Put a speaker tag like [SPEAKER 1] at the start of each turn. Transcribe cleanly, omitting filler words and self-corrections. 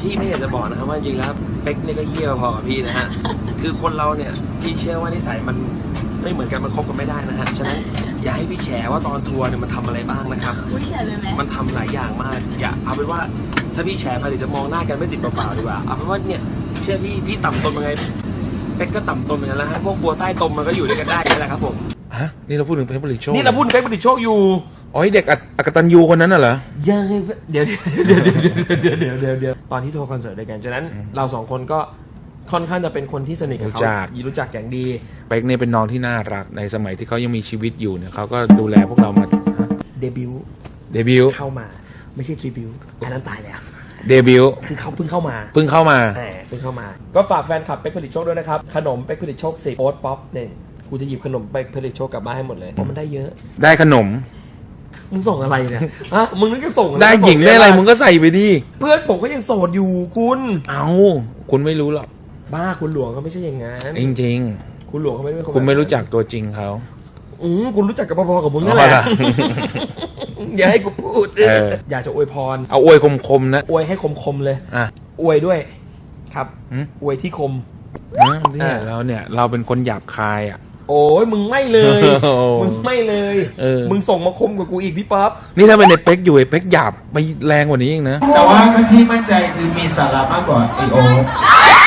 [SPEAKER 1] พี่ไม่อยากจะบอกนะครับว่าจริงๆแล้วเป๊กเนี่ยก็เหี้ยพอกับพี่นะฮะคือคนเราเนี่ยพี่เชื่อว่านิสัยมันไม่เหมือนกันมันคบกันไม่ได้นะฮะฉะนั้นอย่าให้พี่แฉว่าตอนทัวร์เนี่ยมันทำอะไรบ้างนะครับ
[SPEAKER 2] อุ้ยแฉเลยไหม
[SPEAKER 1] มันทำหลายอย่างมากอย่าเอาเป็นว่าถ้าพี่แฉไปเดี๋ยวจะมองหน้ากันไม่ติดเปล่าๆดีกว่าเอาเป็นว่าเนี่ยเชื่อพี่ต่ำตนยังไงเป๊กก็ต่ำตนเหมือนกันแล้วฮะพวกบัวใต้ตมมันก็อยู่ด้วยกันได้นี่แหละครับผม
[SPEAKER 3] ฮะนี่เราพูดถึงเป๊กผลิตโชค
[SPEAKER 1] นี่เราพูดถึงเป๊กผลิตโชคอยู่
[SPEAKER 3] อ๋อเด็กอกตัญญูคนนั้นน่ะเหรอ
[SPEAKER 1] ยังเดี๋ยวตอนที่ทัวร์คอนเสิร์ตด้วยกันฉะนั้นเราสองคนก็ค่อนข้างจะเป็นคนที่สนิทกับเขารู้จักอย่างดี
[SPEAKER 3] เป๊กเนี่ยเป็นน้องที่น่ารักในสมัยที่เขายังมีชีวิตอยู่เนี่ยเขาก็ดูแลพวกเรามา
[SPEAKER 1] เดบิวต์เข้ามาไม่ใช่ทริบิวต์อันนั้นตายแล้ว
[SPEAKER 3] เดบิวต์
[SPEAKER 1] คือเขาเพิ่งเข้ามา
[SPEAKER 3] เพิ่งเข้ามา
[SPEAKER 1] ก็ฝากแฟนคลับเป๊กผลิตโชคด้วยนะครับขนมเป๊กผลิตโชค10โอ๊ตป๊อปเนี่ยกูจะหยิบขนมเป๊กผลิตโชคกลับบ้านให้หมดเลยเพราะมันได้เยอะ
[SPEAKER 3] ได้ขนม
[SPEAKER 1] มึงส่งอะไรเนี่ยฮะมึงนึกจะส่ง
[SPEAKER 3] ได้หญิงได้อะไรมึงก็ใส่ไปดิ
[SPEAKER 1] เพื่อนผมก็ยังโสดอยู่คุณ
[SPEAKER 3] เอาคุณไม่รู้หรอก
[SPEAKER 1] บ้าคุณหลวงเขาไม่ใช่อย่างงั้น
[SPEAKER 3] จริง
[SPEAKER 1] ๆคุณหลวงเขาไม่ใช่
[SPEAKER 3] คุณไม่รู้จักตัวจริงเขา
[SPEAKER 1] คุณรู้จักกับพอๆกับมึงนั่นแหละอย่าให้กูพูดอยากจะอวยพร
[SPEAKER 3] เอาอวยคมๆนะ
[SPEAKER 1] อวยให้คมๆเลยอวยด้วยครับอวยที่คม
[SPEAKER 3] เนี่ยเราเป็นคนหยาบคายอ่ะ
[SPEAKER 1] โอ้ยมึงไม่เลยมึงส่งมาคมกว่ากูอีกพี่ป๊อป
[SPEAKER 3] นี่ถ้าเป็นในเป๊กอยู่ไอ้เป๊กหยาบไปแรงกว่านี้เองนะ
[SPEAKER 4] แต่ว่าที่มั่นใจคือมีสาระมากกว่าไอโอ